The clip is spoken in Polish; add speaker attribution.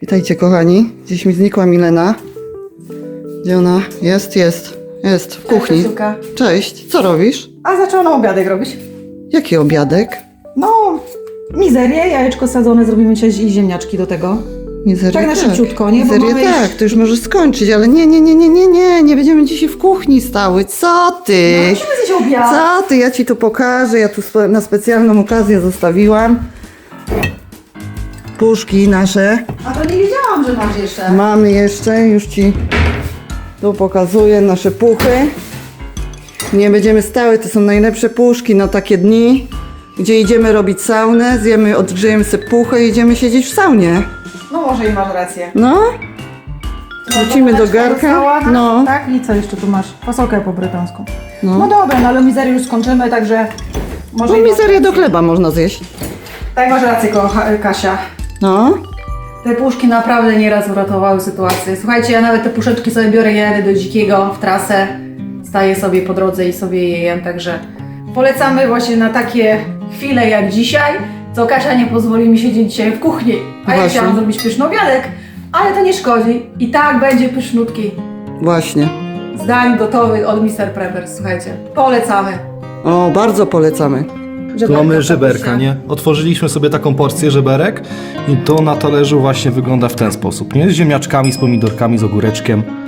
Speaker 1: Witajcie kochani, gdzieś mi znikła Milena. Gdzie ona? Jest w kuchni.
Speaker 2: Cześć,
Speaker 1: Cześć, co robisz?
Speaker 2: a zaczęła na obiadek robić.
Speaker 1: Jaki obiadek?
Speaker 2: No, mizerię, jajeczko sadzone, zrobimy dzisiaj i ziemniaczki do tego.
Speaker 1: Mizerię,
Speaker 2: Tak na szybciutko, nie? Bo
Speaker 1: Mizerię
Speaker 2: mamy
Speaker 1: tak,
Speaker 2: już-
Speaker 1: to już możesz skończyć, ale nie będziemy dzisiaj w kuchni stały, co ty?
Speaker 2: No, musimy zjeść obiad.
Speaker 1: Co ty, ja ci tu pokażę, ja tu na specjalną okazję zostawiłam. Puszki nasze,
Speaker 2: A to nie wiedziałam, że masz jeszcze.
Speaker 1: mamy jeszcze, już ci tu pokazuję nasze puchy. Nie będziemy stały, to są najlepsze puszki na takie dni, gdzie idziemy robić saunę, zjemy, odgrzejemy sobie puchę i idziemy siedzieć w saunie.
Speaker 2: No może i masz rację.
Speaker 1: No, wrócimy do garka.
Speaker 2: Została,
Speaker 1: No,
Speaker 2: Tak, i co jeszcze tu masz? Fasolkę po brytańsku.
Speaker 1: No.
Speaker 2: No dobra, no ale mizerię już skończymy, także... Może
Speaker 1: no
Speaker 2: i masz
Speaker 1: mizerię
Speaker 2: rację.
Speaker 1: do chleba można zjeść.
Speaker 2: Tak, masz rację, Kasia.
Speaker 1: No,
Speaker 2: Te puszki naprawdę nieraz uratowały sytuację. Słuchajcie, ja nawet te puszeczki sobie biorę, jadę do Dzikiego w trasę, staję sobie po drodze i sobie je jem, także polecamy właśnie na takie chwile jak dzisiaj, co Kasia nie pozwoli mi siedzieć dzisiaj w kuchni, a ja
Speaker 1: Właśnie.
Speaker 2: chciałam zrobić pyszny obiadek, ale to nie szkodzi i tak będzie pysznutki
Speaker 1: właśnie.
Speaker 2: z dań gotowych od Mr. Preppers, słuchajcie, polecamy.
Speaker 1: O, bardzo polecamy.
Speaker 3: Tu mamy żeberka, nie? Otworzyliśmy sobie taką porcję żeberek i to na talerzu właśnie wygląda w ten sposób, nie? Z ziemniaczkami, z pomidorkami, z ogóreczkiem.